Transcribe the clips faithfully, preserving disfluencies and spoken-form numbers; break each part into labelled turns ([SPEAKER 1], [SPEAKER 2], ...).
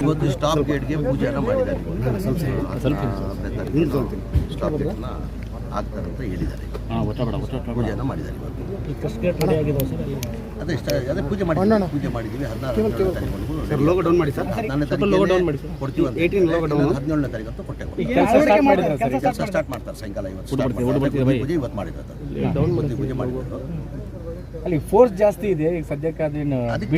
[SPEAKER 1] ಇವತ್ತು ಸ್ಟಾಪ್ ಗೇಟ್ಗೆ ಪೂಜೆಯನ್ನು ಮಾಡಿದ್ದಾರೆ. ಸ್ಟಾಪ್ ಗೇಟ್ನ ಆಗ್ತಾರೆ ಅಂತ ಹೇಳಿದ್ದಾರೆ. ಪೂಜೆಯನ್ನು ಮಾಡಿದ್ದಾರೆ ಇವತ್ತು. ಅದೇ ಅದೇ ಪೂಜೆ ಮಾಡಿ ಪೂಜೆ ಮಾಡಿದ್ದೀವಿ. ಹದಿನಾರು ಹದಿನಾರನೇ ತಾರೀಕು ಕೊಡ್ತೀವಿ ಅಂತ ಹದಿನೇಳನೇ ತಾರೀಕು ಅಂತ ಕೊಟ್ಟೆ. ಕೆಲಸ ಸ್ಟಾರ್ಟ್ ಮಾಡ್ತಾರೆ ಸಾಯಂಕಾಲ. ಇವತ್ತು ಪೂಜೆ ಇವತ್ತು ಮಾಡಿರೋದು. ಪೂಜೆ ಮಾಡಿರೋದು
[SPEAKER 2] ಅಲ್ಲಿ ಫೋರ್ಸ್ ಜಾಸ್ತಿ ಇದೆ ಈಗ ಸದ್ಯಕ್ಕೆ. ಅದೇನು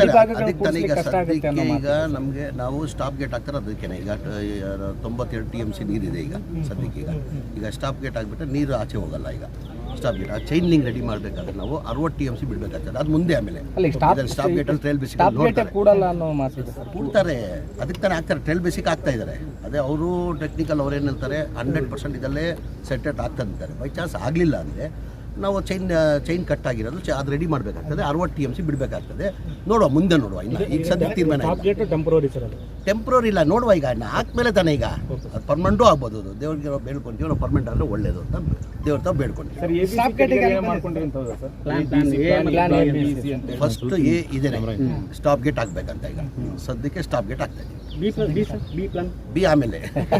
[SPEAKER 1] ಈಗ ನಮಗೆ ನಾವು ಸ್ಟಾಪ್ ಗೇಟ್ ಹಾಕ್ತಾರೆ. ಅದಕ್ಕೆ ಈಗ ತೊಂಬತ್ತೆರಡು ಟಿ ಎಮ್ ಸಿ ನೀರಿದೆ ಈಗ ಸದ್ಯಕ್ಕೆ. ಈಗ ಈಗ ಸ್ಟಾಪ್ ಗೇಟ್ ಆಗಿಬಿಟ್ರೆ ನೀರು ಆಚೆ ಹೋಗಲ್ಲ. ಈಗ ಸ್ಟಾಪ್ ಗೇಟ್ ಆ ಚೈನ್ ಲಿಂಕ್ ರೆಡಿ ಮಾಡಬೇಕಾದ್ರೆ ನಾವು ಅರವತ್ತು ಟಿ ಎಮ್ ಸಿ ಬಿಡಬೇಕಾಗ್ತದೆ. ಅದು ಮುಂದೆ ಆಮೇಲೆ ಸ್ಟಾಪ್ ಗೇಟ್ ಅಲ್ಲಿ ಟ್ರೈಲ್ ಬೇಸಿಕ್ ಕೂಡ್ತಾರೆ. ಅದಕ್ಕೆ ತಾನೇ ಆಗ್ತಾರೆ. ಟ್ರೈಲ್ ಬೇಸಿಕ್ ಆಗ್ತಾ ಇದ್ದಾರೆ. ಅದೇ ಅವರು ಟೆಕ್ನಿಕಲ್ ಅವ್ರು ಏನು ಹೇಳ್ತಾರೆ, ಹಂಡ್ರೆಡ್ ಪರ್ಸೆಂಟ್ ಇದಲ್ಲೇ ಸೆಟೆಟ್ ಆಗ್ತಾ ಇದ್ದಾರೆ. ಬೈ ಚಾನ್ಸ್ ಆಗಲಿಲ್ಲ ಅಂದರೆ ನಾವು ಚೈನ್ ಚೈನ್ ಕಟ್ ಆಗಿರೋದು ಅದು ರೆಡಿ ಮಾಡಬೇಕಾಗ್ತದೆ. ಅರವತ್ತು ಟಿ ಎಮ್ ಸಿ ಬಿಡಬೇಕಾಗ್ತದೆ. ನೋಡುವ ಮುಂದೆ ನೋಡುವ. ಇನ್ನು ಈಗ ಸದ್ಯ ತೀರ್ಮಾನ
[SPEAKER 2] ಟೆಂಪ್ರರಿ ಸರ್. ಅದು
[SPEAKER 1] ಟೆಂಪ್ರರಿ ಇಲ್ಲ, ನೋಡುವ. ಈಗ ಇನ್ನು ಹಾಕ್ಮೇಲೆ ತಾನೇ ಈಗ ಅದು ಪರ್ಮನೆಂಟು ಆಗ್ಬೋದು. ಅದು ದೇವ್ರಿಗೆ ನಾವು ಬೇಡ್ಕೊಂತೀವಿ. ನಾವು ಪರ್ಮನೆಂಟ್ ಆದರೆ ಒಳ್ಳೇದು ಅಂತ ದೇವ್ರ ತಾವು ಬೇಡ್ಕೊಂತೀವಿ. ಫಸ್ಟ್ ಎ ಇದೆ, ಸ್ಟಾಪ್ ಗೇಟ್ ಹಾಕ್ಬೇಕಂತ. ಈಗ ಸದ್ಯಕ್ಕೆ ಸ್ಟಾಪ್ ಗೇಟ್ ಆಗ್ತಾ ಇದೆ. ಬಿ ಆಮೇಲೆ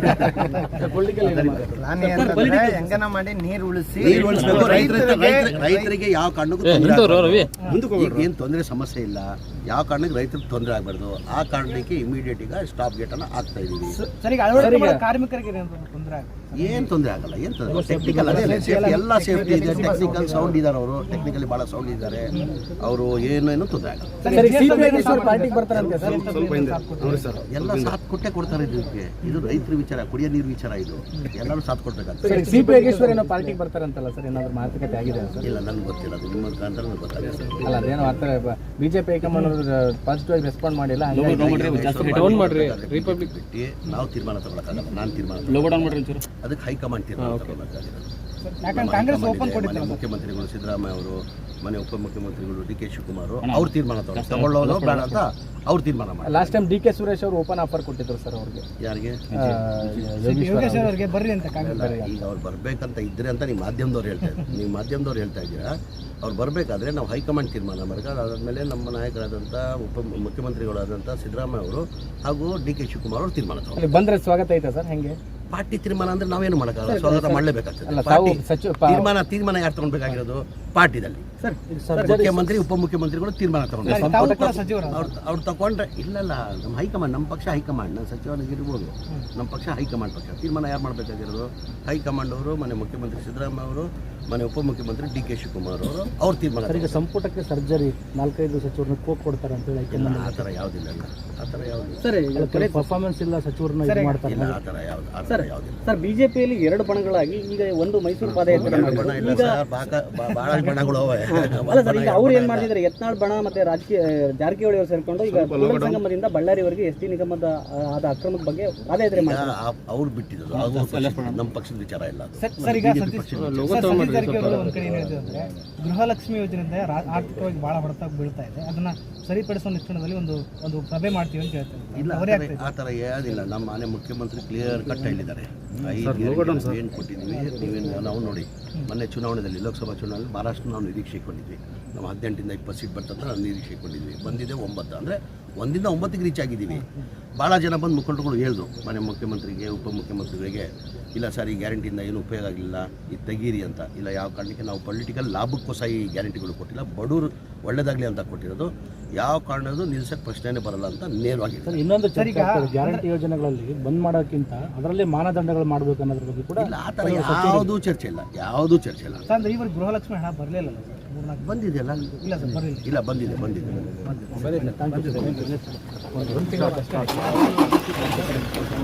[SPEAKER 3] ಮಾಡಿ ನೀರು ಉಳಿಸಿ
[SPEAKER 1] ನೀರು ಉಳಿಸಬೇಕು. ರೈತರ ರೈತರಿಗೆ ಯಾವ ಕಾರಣಕ್ಕೂ ಏನು ತೊಂದರೆ ಸಮಸ್ಯೆ ಇಲ್ಲ. ಯಾವ ಕಾರಣಕ್ಕೆ ರೈತರಿಗೆ ತೊಂದರೆ ಆಗಬಾರ್ದು. ಆ ಕಾರಣಕ್ಕೆ ಇಮಿಡಿಯೇಟ್ ಈಗ ಸ್ಟಾಪ್ ಗೇಟ್ ಅನ್ನು ಹಾಕ್ತಾ ಇದೀವಿ.
[SPEAKER 3] ಕಾರ್ಮಿಕರಿಗೆ
[SPEAKER 1] ಏನು ತೊಂದರೆ ಆಗಲ್ಲ. ಏನು ತೊಂದರೆ ಟೆಕ್ನಿಕಲ್ ಅದೇ ಎಲ್ಲ ಸೇಫ್ಟಿ ಇದೆ. ಟೆಕ್ನಿಕಲ್ ಸೌಂಡ್ ಇದ್ದಾರೆ. ಅವರು ಟೆಕ್ನಿಕಲಿ ಭಾಳ ಸೌಂಡ್ ಇದ್ದಾರೆ. ಅವರು ಏನೇನು ತೊಂದರೆ ಆಗಲ್ಲ. ಎಲ್ಲ ಸಾಥ್ ಕೊಟ್ಟೆ ಕೊಡ್ತಾರೆ. ಇದಕ್ಕೆ ಇದು ರೈತರ ವಿಚಾರ, ಕುಡಿಯೋ ನೀರು ವಿಚಾರ. ಇದು ಎಲ್ಲರೂ ಸಾಥ್ ಕೊಡ್ಬೇಕಾಗ್ತದೆ.
[SPEAKER 2] ಪಾರ್ಟಿಗೆ ಬರ್ತಾರಂತಲ್ಲ ಸರ್, ಏನಾದ್ರು ಮಾತುಕತೆ ಆಗಿದೆ ಸರ್?
[SPEAKER 1] ಇಲ್ಲ, ನನಗೆ ಗೊತ್ತಿಲ್ಲ. ಅದು ನಿಮ್ಮ ಮುಖಾಂತರ ನನಗೆ ಗೊತ್ತಾಗಿದೆ ಸರ್.
[SPEAKER 2] ಅಲ್ಲ, ಅದೇನೋ ಅರ್ಥ ಬಿಜೆಪಿ ಹೈಕಮಾಂಡ್ ಪಾಸಿಟಿವ್ ಆಗಿ ರೆಸ್ಪಾಂಡ್ ಮಾಡಿಲ್ಲ.
[SPEAKER 1] ರಿಪಬ್ಲಿಕ್ ಬಿಟ್ಟು ನಾವು ತೀರ್ಮಾನ ತಗೊಳಕ್ಕಾಗಲ್ಲ. ನಾನು ತೀರ್ಮಾನ ಅದಕ್ಕೆ ಹೈಕಮಾಂಡ್ ತೀರ್ಮಾನ ತಗೊಳಕ್ಕಾಗಿಲ್ಲ. ಮುಖ್ಯಮಂತ್ರಿಗಳು ಸಿದ್ದರಾಮಯ್ಯ ಅವರು, ಮನೆ ಉಪಮುಖ್ಯಮಂತ್ರಿಗಳು ಡಿ ಕೆ ಶಿವಕುಮಾರ್ ಅವ್ರು ತೀರ್ಮಾನ ತಗೊಳ್ಳೋದು ಬೇಡ ಅಂತ ಅವ್ರು ತೀರ್ಮಾನ ಮಾಡಿ.
[SPEAKER 2] Last time D K Suresh ಅವರು ಓಪನ್ ಆಫರ್ ಕೊಟ್ಟಿದ್ರು ಸರ್ ಅವ್ರಿಗೆ.
[SPEAKER 1] ಯಾರಿಗೆ?
[SPEAKER 3] ಬರ್ರಿ ಅಂತ.
[SPEAKER 1] ಈಗ ಅವ್ರು ಬರ್ಬೇಕಂತ ಇದ್ರೆ ಅಂತ ನೀವು ಮಾಧ್ಯಮದವ್ರು ಹೇಳ್ತಾ ಇದ್ದೀರಿ. ನೀವು ಮಾಧ್ಯಮದವ್ರು ಹೇಳ್ತಾ ಇದ್ದೀರಾ. ಅವ್ರು ಬರಬೇಕಾದ್ರೆ ನಾವು ಹೈಕಮಾಂಡ್ ತೀರ್ಮಾನ ಮಾಡಬೇಕು. ಅದಾದಮೇಲೆ ನಮ್ಮ ನಾಯಕರಾದಂಥ ಉಪ ಮುಖ್ಯಮಂತ್ರಿಗಳಾದಂಥ ಸಿದ್ದರಾಮಯ್ಯ ಅವರು ಹಾಗೂ ಡಿ ಕೆ ಶಿವಕುಮಾರ್ ಅವರು ತೀರ್ಮಾನ ತಗೊಂಡು
[SPEAKER 2] ಬಂದರೆ ಸ್ವಾಗತ ಐತೆ ಸರ್. ಹೆಂಗೆ
[SPEAKER 1] ಪಾರ್ಟಿ ತೀರ್ಮಾನ ಅಂದ್ರೆ ನಾವೇನು ಮಾಡೋಕ್ಕಾಗಲ್ಲ. ಸ್ವಾಗತ ಮಾಡಲೇಬೇಕಾಗ್ತದೆ. ತೀರ್ಮಾನ ತೀರ್ಮಾನ ಯಾರು ತಗೊಳ್ಬೇಕಾಗಿರೋದು? ಪಾರ್ಟಿದಲ್ಲಿ ಮುಖ್ಯಮಂತ್ರಿ ಉಪಮುಖ್ಯಮಂತ್ರಿಗಳು ತೀರ್ಮಾನ ತಗೊಂಡು ಅವ್ರು ತಗೊಂಡ್ರೆ ಇಲ್ಲಲ್ಲ. ನಮ್ಮ ಹೈಕಮಾಂಡ್, ನಮ್ಮ ಪಕ್ಷ ಹೈಕಮಾಂಡ್. ನಾನು ಸಚಿವರಾಗಿರ್ಬೋದು, ನಮ್ಮ ಪಕ್ಷ ಹೈಕಮಾಂಡ್ ಪಕ್ಷ. ತೀರ್ಮಾನ ಯಾರು ಮಾಡಬೇಕಾಗಿರೋದು? ಹೈಕಮಾಂಡ್ ಅವರು, ಮನೆ ಮುಖ್ಯಮಂತ್ರಿ ಸಿದ್ದರಾಮಯ್ಯ ಅವರು, ಮನೆ ಉಪಮುಖ್ಯಮಂತ್ರಿ ಡಿ ಕೆ ಶಿವಕುಮಾರ್ ಅವರು ಅವ್ರು ತೀರ್ಮಾನ.
[SPEAKER 2] ಈಗ ಸಂಪುಟಕ್ಕೆ ಸರ್ಜರಿ ನಾಲ್ಕೈದು ಸಚಿವರನ್ನ ಕೋಕ್ ಕೊಡ್ತಾರೆ ಅಂತ ಹೇಳಿ
[SPEAKER 1] ಆ ಥರ ಯಾವುದಿಲ್ಲ. ಆ ಥರ ಯಾವುದು
[SPEAKER 2] ಸರ್ ಪರ್ಫಾರ್ಮೆನ್ಸ್ ಇಲ್ಲ ಸಚಿವರನ್ನ ಮಾಡ್ತಾರೆ.
[SPEAKER 1] ಆ ಥರ ಯಾವ್ದು ಆ ಥರ ಯಾವುದಿಲ್ಲ
[SPEAKER 2] ಸರ್. ಬಿಜೆಪಿಯಲ್ಲಿ ಎರಡು ಬಣಗಳಾಗಿ ಈಗ ಒಂದು ಮೈಸೂರು ಪಾದಯಾತ್ರೆ
[SPEAKER 1] ಬಣ ಇಲ್ಲ ಸರ್. ಭಾಳ ಬಣಗಳು ಅವೆ.
[SPEAKER 2] ಅಲ್ಲ ಸರ್, ಈಗ ಅವ್ರು ಏನ್ ಮಾಡ್ತಿದ್ದಾರೆ, ಯತ್ನಾಳ್ ಬಣ ಮತ್ತೆ ರಾಜಕೀಯ ಜಾರಕಿಹೊಳಿ ಅವರು ಸೇರ್ಕೊಂಡು ಈಗ ಸಂಗಮದಿಂದ ಬಳ್ಳಾರಿವರೆಗೆ ಎಸ್ ಟಿ ನಿಗಮದ ಆದ ಅಕ್ರಮದ ಬಗ್ಗೆ ಪಾದಯಾತ್ರೆ ಮಾಡ್ತಾರೆ.
[SPEAKER 1] ಅವ್ರು ಬಿಟ್ಟಿದ್ರು. ನಮ್ಮ ಪಕ್ಷದ ವಿಚಾರ ಇಲ್ಲ.
[SPEAKER 3] ಗೃಹಲಕ್ಷ್ಮಿ ಯೋಜನೆಯಿಂದ ಆರ್ಥಿಕವಾಗಿ ಬಹಳ ಹೊಡೆತ ಬೀಳ್ತಾ ಇದೆ. ಅದನ್ನ ಸರಿಪಡಿಸುವ ನಿಟ್ಟಿನಲ್ಲಿ ಒಂದು ಒಂದು ಸಭೆ ಮಾಡ್ತೀವಿ ಅಂತ ಹೇಳ್ತಾರೆ.
[SPEAKER 1] ಇಲ್ಲ, ಆ ಥರ ಯಾವುದಿಲ್ಲ. ನಮ್ಮ ಮನೆ ಮುಖ್ಯಮಂತ್ರಿ ಕ್ಲಿಯರ್ ಕಟ್ ಹೇಳಿದ್ದಾರೆ. ಏನು ಕೊಟ್ಟಿದ್ದೀವಿ ನೀವೇನು ನಾವು ನೋಡಿ. ಮೊನ್ನೆ ಚುನಾವಣೆಯಲ್ಲಿ, ಲೋಕಸಭಾ ಚುನಾವಣೆಯಲ್ಲಿ ಮಹಾರಾಷ್ಟ್ರ ನಾವು ನಿರೀಕ್ಷೆ ಇಟ್ಕೊಂಡಿದ್ವಿ. ನಾವು ಹದಿನೆಂಟರಿಂದ ಇಪ್ಪತ್ತು ಸೀಟ್ ಬರ್ತಂತ ನಾವು ನಿರೀಕ್ಷೆ ಇಟ್ಕೊಂಡಿದ್ವಿ. ಬಂದಿದೆ ಒಂಬತ್ತು. ಅಂದರೆ ಒಂದಿಂದ ಒಂಬತ್ತಿಗೆ ರೀಚ್ ಆಗಿದ್ದೀವಿ. ಭಾಳ ಜನ ಬಂದು ಮುಖಂಡರುಗಳು ಹೇಳಿದ್ರು ಮನೆ ಮುಖ್ಯಮಂತ್ರಿಗೆ, ಉಪಮುಖ್ಯಮಂತ್ರಿಗಳಿಗೆ, ಇಲ್ಲ ಸರ್ ಈ ಗ್ಯಾರಂಟಿಯಿಂದ ಏನು ಉಪಯೋಗ ಆಗಲಿಲ್ಲ, ಇದು ತೆಗೀರಿ ಅಂತ. ಇಲ್ಲ, ಯಾವ ಕಾರಣಕ್ಕೆ ನಾವು ಪೊಲಿಟಿಕಲ್ ಲಾಭಕ್ಕೋಸ್ಕರ ಈ ಗ್ಯಾರಂಟಿಗಳು ಕೊಟ್ಟಿಲ್ಲ, ಬಡವರು ಒಳ್ಳೇದಾಗಲಿ ಅಂತ ಕೊಟ್ಟಿರೋದು. ಯಾವ ಕಾರಣದ್ದು ನಿಲ್ಸಕ್ಕೆ ಪ್ರಶ್ನೆನೇ ಬರಲ್ಲ ಅಂತ ನೇರವಾಗಿ.
[SPEAKER 2] ಇನ್ನೊಂದು ಗ್ಯಾರಂಟಿ ಯೋಜನೆಗಳಲ್ಲಿ ಬಂದ್ ಮಾಡೋಕ್ಕಿಂತ ಅದರಲ್ಲಿ ಮಾನದಂಡಗಳು ಮಾಡಬೇಕು ಅನ್ನೋದ್ರ ಬಗ್ಗೆ ಕೂಡ
[SPEAKER 1] ಇಲ್ಲ. ಆ ಥರ ಯಾವುದೂ ಚರ್ಚೆ ಇಲ್ಲ. ಯಾವುದೂ ಚರ್ಚೆ ಇಲ್ಲ.
[SPEAKER 3] ಅಂದ್ರೆ ಇವರು ಗೃಹಲಕ್ಷ್ಮಿ ಹಣ ಬರಲಿಲ್ಲ
[SPEAKER 1] ಬಂದಿದೆಯಲ್ಲ?
[SPEAKER 3] ಇಲ್ಲ ಸರ್, ಬರಲಿಲ್ಲ.
[SPEAKER 1] ಇಲ್ಲ, ಬಂದಿದೆ ಬಂದಿದೆ.